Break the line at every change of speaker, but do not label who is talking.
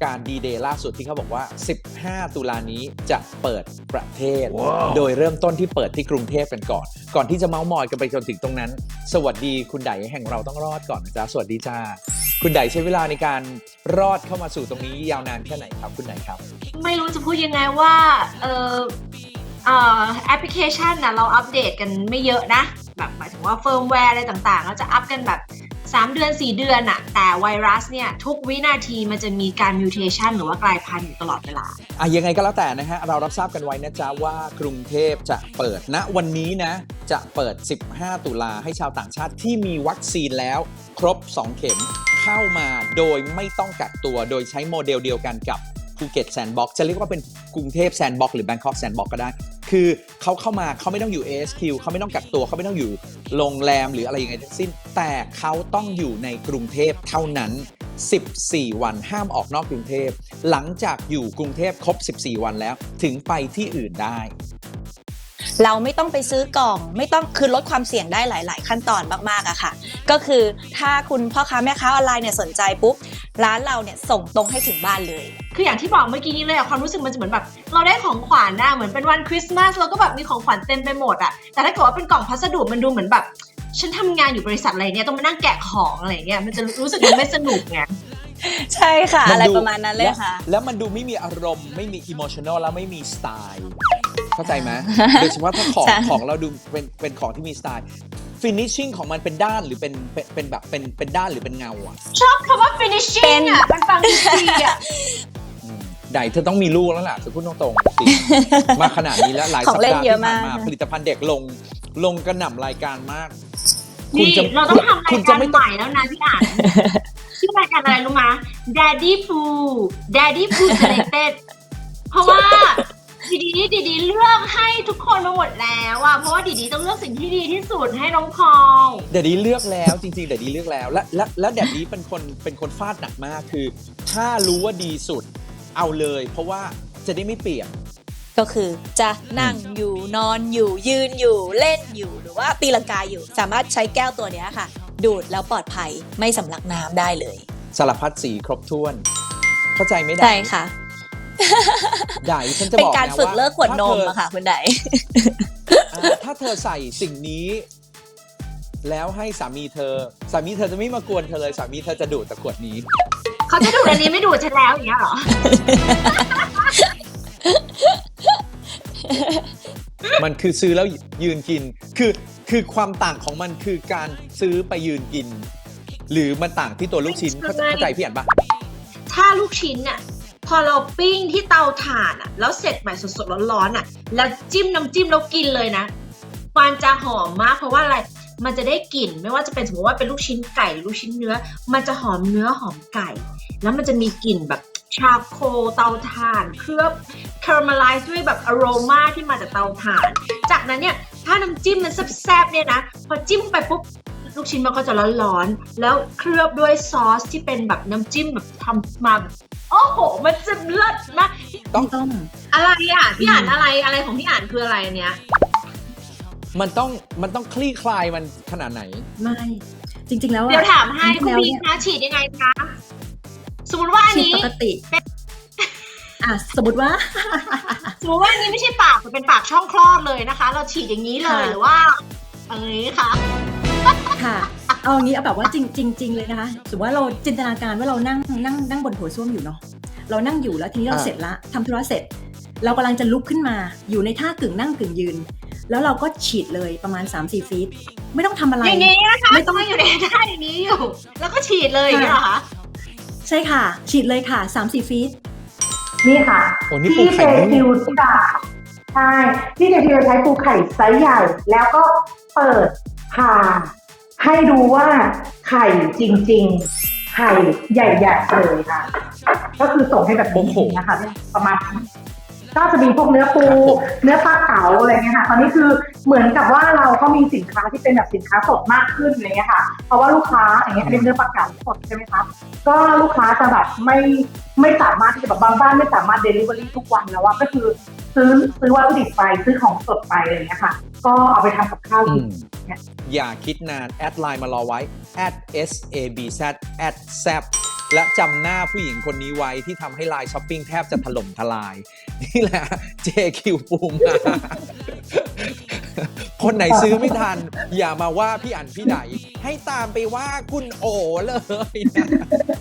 การดีเดย์ล่าสุดที่เขาบอกว่า15ตุลานี้จะเปิดประเทศ โดยเริ่มต้นที่เปิดที่กรุงเทพกันก่อนที่จะเม้ามอยกันไปจนถึงตรงนั้นสวัสดีคุณไดแห่งเราต้องรอดก่อนนะจ๊ะสวัสดีจ้าคุณไดใช้เวลาในการรอดเข้ามาสู่ตรงนี้ยาวนานแค่ไหนครับคุณไดครับ
ไม่รู้จะพูดยังไงว่าแอปพลิเคชันนะเราอัปเดตกันไม่เยอะนะแบบหมายถึงว่าเฟิร์มแวร์อะไรต่างๆเราจะอัปกันแบบ3เดือน4เดือนอะแต่ไวรัสเนี่ยทุกวินาทีมันจะมีการมิวเทชันหรือว่ากลายพันธุ์อยู่ตลอดเวลา
ยังไงก็แล้วแต่นะฮะเรารับทราบกันไว้นะจ๊ะว่ากรุงเทพจะเปิดณวันนี้นะจะเปิด15ตุลาให้ชาวต่างชาติที่มีวัคซีนแล้วครบ2เข็มเข้ามาโดยไม่ต้องกักตัวโดยใช้โมเดลเดียวกันกับภูเก็ตแซนด์บ็อกซ์จะเรียกว่าเป็นกรุงเทพแซนด์บ็อกซ์หรือแบงคอกแซนด์บ็อกซ์ก็ได้คือเขาเข้ามาเขาไม่ต้องอยู่ ASQ เขาไม่ต้องกักตัวเขาไม่ต้องอยู่โรงแรมหรืออะไรยังไงทั้งสิ้นแต่เขาต้องอยู่ในกรุงเทพเท่านั้น14วันห้ามออกนอกกรุงเทพหลังจากอยู่กรุงเทพครบ14วันแล้วถึงไปที่อื่นได้
เราไม่ต้องไปซื้อกล่องไม่ต้องคือลดความเสี่ยงได้หลายๆขั้นตอนมากๆอะค่ะก็คือถ้าคุณพ่อค้าแม่ค้าออนไลน์เนี่ยสนใจปุ๊บร้านเราเนี่ยส่งตรงให้ถึงบ้านเลย
คืออย่างที่บอกเมื่อกี้นี้เลยอะความรู้สึกมันจะเหมือนแบบเราได้ของขวัญนะเหมือนเป็นวันคริสต์มาสเราก็แบบมีของขวัญเต็มไปหมดอะแต่ถ้าเกิดว่าเป็นกล่องพัสดุมันดูเหมือนแบบฉันทำงานอยู่บริษัทอะไรเนี่ยต้องมานั่งแกะของอะไรเงี้ยมันจะรู้สึกมันไม่สนุกไง
ใช่ค่ะอะไรประมาณนั้นเลยค่ะ
แล้วมันดูไม่มีอารมณ์ไม่มีอิโมชันนอลแล้วไม่มีสไตล์เข้าใจไหมโดยเฉพาะถ้าของเราดูเป็นของที่มีสไตล์ฟินิชชิ่งของมันเป็นด้านหรือเป็นแบบเป็นด้านหรือเป็นเงาอ่ะ
ชอบคำว่า finishing อ่ะมันฟังดีอ่ะ
ไดเธอต้องมีลูกแล้วล่ะจะพูดตรงๆจริงมาขนาดนี้แล้วหลายสัปดาห์ที่ผ่านมาผลิตภัณฑ์เด็กลงกระหน่ำรายการมาก
นี่เราต้องทำรายการใหม่แล้วนะพี่อ่านชื่อรายการอะไรรู้มั้ย Daddy Poo Selected เพราะว่าดีเลือกให้ทุกคนมาหมดแล้วอ่ะเพราะว่าดีต้องเลือกสิ่งที่ดีที่สุดให้น้องพอง
ดีเลือกแล้วจริงๆดีเลือกแล้วและดีเป็นคนฟาดหนักมากคือถ้ารู้ว่าดีสุดเอาเลยเพราะว่าจะได้ไม่เปลี่ยน
ก็คือจะนั่งอยู่นอนอยู่ยืนอยู่เล่นอยู่หรือว่าตีลังกาอยู่สามารถใช้แก้วตัวนี้ค่ะดูดแล้วปลอดภัยไม่สำลักน้ำได้เลย
สารพัดสีครบถ้วนเข้าใจไหมได้
ใช่ค่ะ
ไดฉันจะบอกนะว่า
เป็นการฝึกเลิกขวดนมอะค่ะคุณได
ถ้าเธอใส่สิ่งนี้แล้วให้สามีเธอจะไม่มากวนเธอเลยสามีเธอจะดูดแต่ขวดนี้
เขาจะดูดอันนี้ไม่ดูดฉันแล้วอย่างเงี้ยเหรอ
มันคือซื้อแล้วยืนกินคือความต่างของมันคือการซื้อไปยืนกินหรือมันต่างที่ตัวลูกชิ้นเข้าใจพี่อ่านปะ
ถ้าลูกชิ้นน่ะพอเราปิ้งที่เตาถ่านอ่ะแล้วเสร็จใหม่สดๆร้อนๆอ่ะแล้วจิ้มน้ำจิ้มแล้วกินเลยนะมันจะหอมมากเพราะว่าอะไรมันจะได้กลิ่นไม่ว่าจะเป็นสมมติว่าเป็นลูกชิ้นไก่หรือลูกชิ้นเนื้อมันจะหอมเนื้อหอมไก่แล้วมันจะมีกลิ่นแบบชาโคลเตาถ่านเคลือบคาราเมลไลซ์ด้วยแบบอโรมาที่มาจากเตาถ่านจากนั้นเนี่ยถ้าน้ำจิ้มมันแซ่บๆเนี่ยนะพอจิ้มไปปุ๊บลูกชิ้นมันก็จะร้อนๆแล้วเคลือบด้วยซอสที่เป็นแบบน้ำจิ้มแบบทำมาโอ้โหมันจะเลิศมาก
ต้อง
อะไรอ่ะพี่อ่านอะไรของพี่อ่านคืออะไรเนี้ย
มันต้องคลี่คลายมันขนาดไหน
ไม่จริงๆแล้ว
เดี๋ยวถามให้คุณพี่คะฉีดยังไงคะสมมติว่าอันนี้
ปกติสมมติว่า
อันนี้ไม่ใช่ปากแต่เป็นปากช่องคลอดเลยนะคะเราฉีดอย่างนี้เลยหรือว่าอย่างนี้คะ
ค่ะเอาอย่างนี้เอาแบบว่าจริงเลยนะคะสมมติว่าเราจินตนาการว่าเรานั่งบนโถส้วมอยู่เนาะเรานั่งอยู่แล้วทีนี้เราเสร็จละทำธุระเสร็จเรากำลังจะลุกขึ้นมาอยู่ในท่ากึ่งนั่งกึ่งยืนแล้วเราก็ฉีดเลยประมาณ 3-4 ฟีตไม่ต้องทำอะไร
อย่างนี้นะคะไม่ต้องอยู่ในท่าอย่างนี้อยู่แล้วก็ฉีดเลยอย่างนี้เหรอคะ
ใช่ค่ะฉีดเลยค่ะ 3-4 ฟีต
นี่ค่ะที่เจคิวที่ด่าใช่ที่เจคิวใช้ปูไข่ไซส์ใหญ่แล้วก็เปิดผ่าให้ดูว่าไข่จริงๆไข่ใหญ่ๆเลยค่ะก็คือส่งให้แบบนี้นะคะประมาณก็จะมีพวกเนื้อปูเนื้อปลาเก๋าอะไรเงี้ยค่ะตอนนี้คือเหมือนกับว่าเราก็มีสินค้าที่เป็นแบบสินค้าสดมากขึ้นอะไรเงี้ยค่ะเพราะว่าลูกค้าอย่างเงี้ยเป็นเนื้อปลาเก๋าสดใช่ไหมคะก็ลูกค้าจะแบบไม่สามารถที่จะแบบบางบ้านไม่สามารถเดลิเวอรี่ทุกวันแล้วว่าก็คือซื้อวัตถุดิบไปซื้อของสดไปอะไรเงี้ยค่ะก็เอาไปทำกับข้าวกิน
อย่าคิดนานแอดไลน์มารอไว้ @sabz และจำหน้าผู้หญิงคนนี้ไว้ที่ทำให้ไลน์ช้อปปิ้งแทบจะถล่มทลาย นี่แหละ JQ ปูมา คนไหนซื้อไม่ทัน อย่ามาว่าพี่อั๋นพี่ไดให้ตามไปว่าคุณโอเลยนะ